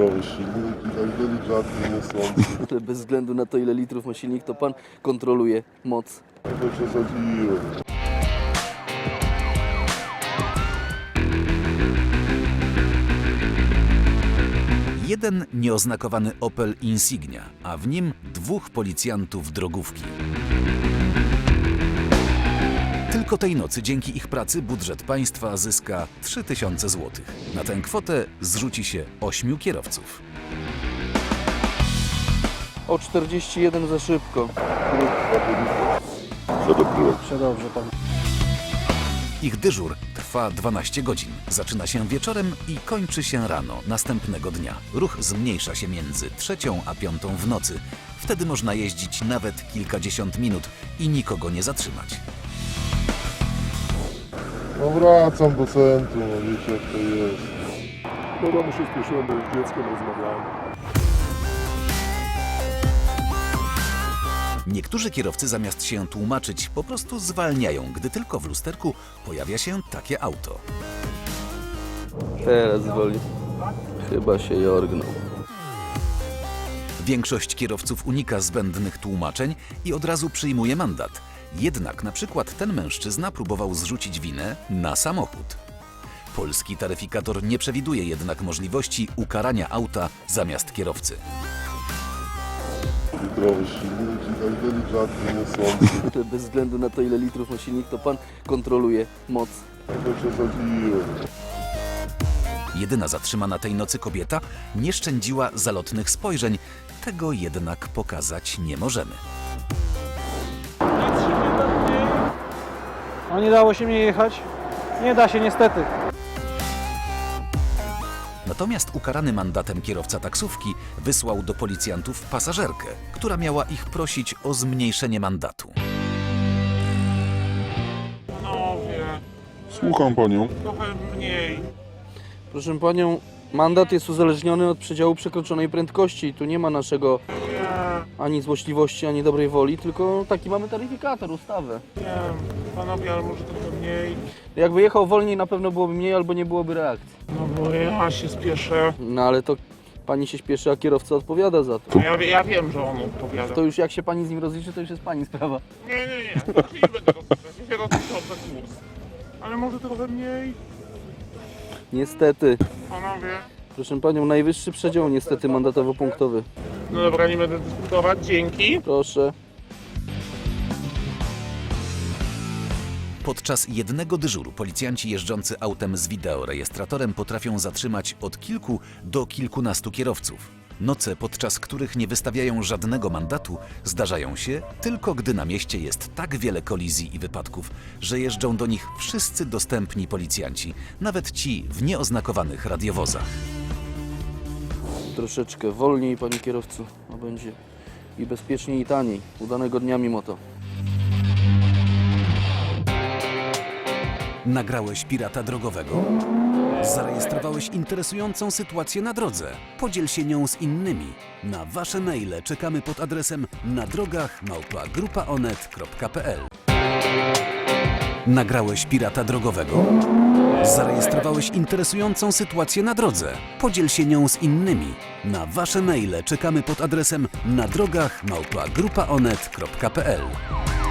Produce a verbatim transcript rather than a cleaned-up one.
zdrowy silnik i tak delikatnie niosący. Ale bez względu na to, ile litrów ma silnik, to pan kontroluje moc. Trochę przesadziłem. Jeden nieoznakowany Opel Insignia, a w nim dwóch policjantów drogówki. Tylko tej nocy dzięki ich pracy budżet państwa zyska trzy tysiące złotych. Na tę kwotę zrzuci się ośmiu kierowców. O czterdzieści jeden za szybko. Przedobrzyłem. Przedobrze pan. Ich dyżur trwa dwanaście godzin. Zaczyna się wieczorem i kończy się rano następnego dnia. Ruch zmniejsza się między trzecią a piątą w nocy. Wtedy można jeździć nawet kilkadziesiąt minut i nikogo nie zatrzymać. No wracam do centrum, no wiecie jak to jest. Do domu się spieszyłem, bo już z dzieckiem rozmawiałem. Niektórzy kierowcy zamiast się tłumaczyć po prostu zwalniają, gdy tylko w lusterku pojawia się takie auto. Teraz woli. Chyba się jorgnął. Większość kierowców unika zbędnych tłumaczeń i od razu przyjmuje mandat. Jednak na przykład ten mężczyzna próbował zrzucić winę na samochód. Polski taryfikator nie przewiduje jednak możliwości ukarania auta zamiast kierowcy. Zdrowy silnik i tak delikatnie niosący. Ale bez względu na to, ile litrów ma silnik, to pan kontroluje moc. Trochę przesadziłem. Jedyna zatrzymana tej nocy kobieta nie szczędziła zalotnych spojrzeń. Tego jednak pokazać nie możemy. No nie dało się mnie jechać. Nie da się niestety. Natomiast ukarany mandatem kierowca taksówki wysłał do policjantów pasażerkę, która miała ich prosić o zmniejszenie mandatu. Panowie, Słucham panią. trochę mniej. Proszę panią, mandat jest uzależniony od przedziału przekroczonej prędkości. Tu nie ma naszego Nie, ani złośliwości, ani dobrej woli, tylko taki mamy taryfikator, ustawę. nie, panowie, ale może trochę mniej. Jakby jechał wolniej, na pewno byłoby mniej albo nie byłoby reakcji. No bo ja się spieszę. No ale to pani się śpieszy, a kierowca odpowiada za to. No ja, ja wiem, że on odpowiada. To już jak się pani z nim rozliczy, to już jest pani sprawa. Nie, nie, nie, znaczy nie będę rozliczać, ja się rozliczam za kurs. Ale może trochę mniej, Niestety. panowie. Proszę panią, najwyższy przedział niestety mandatowo-punktowy. No dobra, nie będę dyskutować, dzięki. Proszę. Podczas jednego dyżuru policjanci jeżdżący autem z wideorejestratorem potrafią zatrzymać od kilku do kilkunastu kierowców. Noce, podczas których nie wystawiają żadnego mandatu, zdarzają się tylko gdy na mieście jest tak wiele kolizji i wypadków, że jeżdżą do nich wszyscy dostępni policjanci, nawet ci w nieoznakowanych radiowozach. Troszeczkę wolniej, panie kierowcu, a będzie i bezpieczniej, i taniej. Udanego dnia mimo to. Nagrałeś pirata drogowego? Zarejestrowałeś interesującą sytuację na drodze? Podziel się nią z innymi. Na wasze maile czekamy pod adresem na drogach małpa grupa onet kropka p l. Nagrałeś pirata drogowego? Zarejestrowałeś interesującą sytuację na drodze? Podziel się nią z innymi. Na wasze maile czekamy pod adresem na drogach małpa grupa onet kropka p l.